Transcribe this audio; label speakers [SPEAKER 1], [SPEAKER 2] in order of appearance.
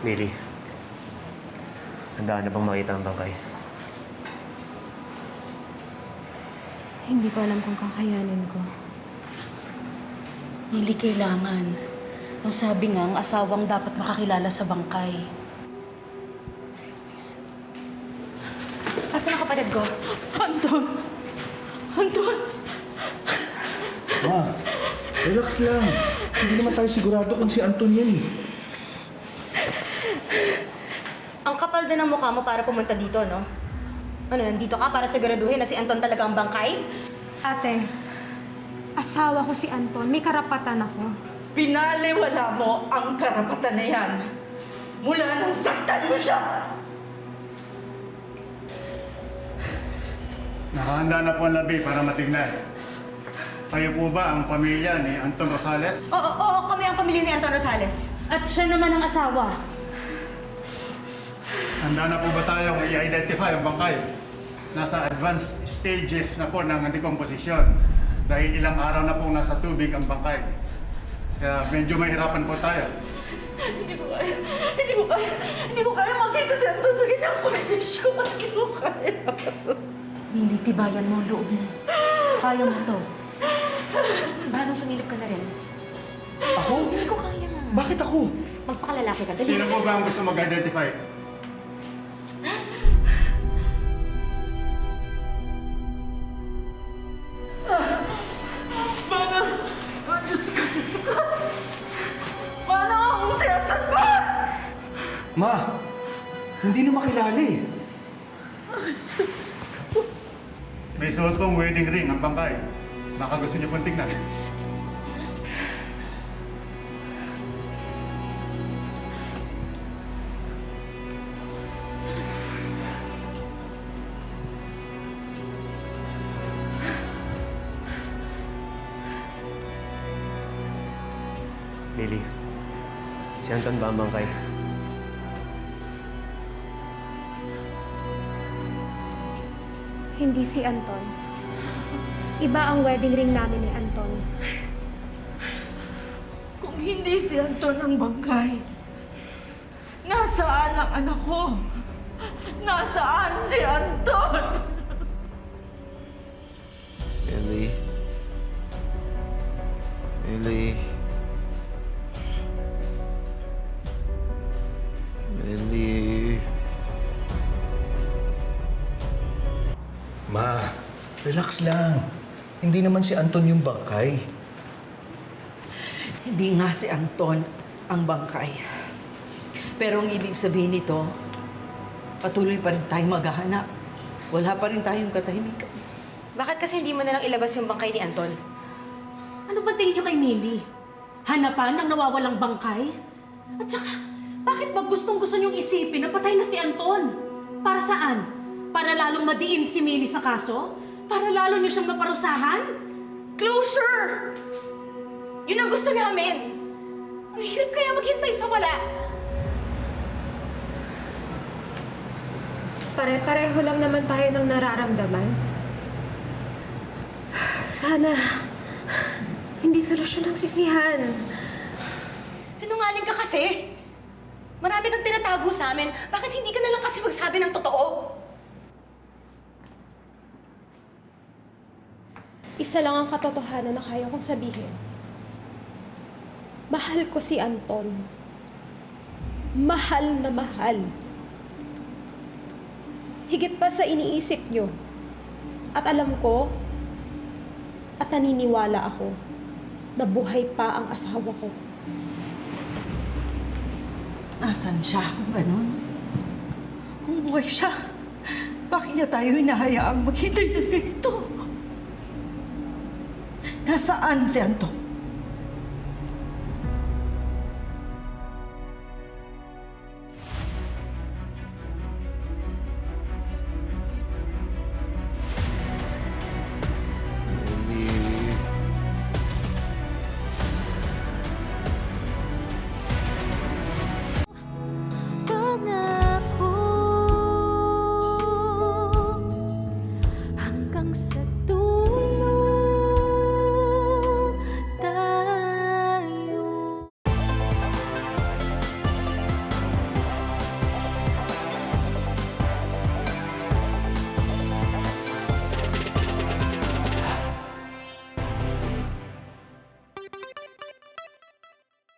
[SPEAKER 1] Millie, handaan na bang makita ang bangkay?
[SPEAKER 2] Hindi ko alam kung kakayanin ko.
[SPEAKER 3] Hindi kailangan. Ang sabi nga, ang asawang dapat makakilala sa bangkay.
[SPEAKER 2] Asan ang kapatid ko?
[SPEAKER 3] Anton! Anton!
[SPEAKER 4] Ma, relax lang. Hindi naman tayo sigurado kung si Anton yan eh.
[SPEAKER 5] Ang kapal din ng mukha mo para pumunta dito, no? Ano, nandito ka para siguraduhin na si Anton talaga ang bangkay?
[SPEAKER 2] Ate, asawa ko si Anton. May karapatan ako.
[SPEAKER 6] Pinaliwala mo ang karapatan na yan mula nang saktan mo siya!
[SPEAKER 7] Nakahanda na po ang labi para matignan. Kayo po ba ang pamilya ni Anton Rosales?
[SPEAKER 5] Oo, kami ang pamilya ni Anton Rosales.
[SPEAKER 3] At siya naman ang asawa.
[SPEAKER 7] Handa na po ba tayong i-identify ang bangkay? Nasa advanced stages na po ng decomposition dahil ilang araw na pong nasa tubig ang bangkay. Kaya medyo mahirapan po tayo.
[SPEAKER 6] Hindi ko kaya makita si Anton sa ganyang kondisyon. Hindi ko kaya.
[SPEAKER 3] Mili, tibayan mo ang loob mo. Kaya mo to.
[SPEAKER 5] Balong sumilip ka na rin.
[SPEAKER 4] Ako?
[SPEAKER 5] Hindi ko kaya nga.
[SPEAKER 4] Bakit ako?
[SPEAKER 5] Magpakalalaki ka. Dali.
[SPEAKER 7] Sino po ba ang gusto mag-identify?
[SPEAKER 6] Diyos ko. Paano? Si Anton ba?
[SPEAKER 4] Ma, hindi na makilala eh.
[SPEAKER 7] May suot pong wedding ring ang bangkay. Baka gusto niyo pong tignan.
[SPEAKER 1] Millie, si Anton ba ang bangkay?
[SPEAKER 2] Hindi si Anton. Iba ang wedding ring namin ni Anton.
[SPEAKER 6] Kung hindi si Anton ang bangkay, nasaan ang anak ko? Nasaan si Anton?
[SPEAKER 8] Millie. Millie. Millie.
[SPEAKER 4] Ma, relax lang. Hindi naman si Anton yung bangkay.
[SPEAKER 6] Hindi nga si Anton ang bangkay. Pero ang ibig sabihin nito, patuloy pa rin tayong maghahanap. Wala pa rin tayong katahimikan.
[SPEAKER 5] Bakit kasi hindi mo na lang ilabas yung bangkay ni Anton?
[SPEAKER 3] Ano ba tingin niyo kay Mili? Hanapan ng nawawalang bangkay? At saka, bakit ba gustong-gusto niyong isipin na patay na si Anton? Para saan? Para lalong madiin si Mili sa kaso? Para lalo niyo siyang maparusahan?
[SPEAKER 5] Closure! Yun ang gusto namin. Ang hirap kaya maghintay sa wala.
[SPEAKER 2] Pare-pareho lang naman tayo ng nararamdaman. Sana hindi solusyon ang sisihan.
[SPEAKER 5] Sinungaling ka kasi. Marami kang tinatago sa amin. Bakit hindi ka na lang kasi magsabi ng totoo?
[SPEAKER 2] Isa lang ang katotohanan na kaya kong sabihin. Mahal ko si Anton. Mahal na mahal. Higit pa sa iniisip nyo. At alam ko, at naniniwala ako, na buhay pa ang asawa ko.
[SPEAKER 6] Nasaan siya kung ganun? Kung buhay siya, bakit niya tayo hinahayaang maghintay ng ganito? Nasaan si Anton?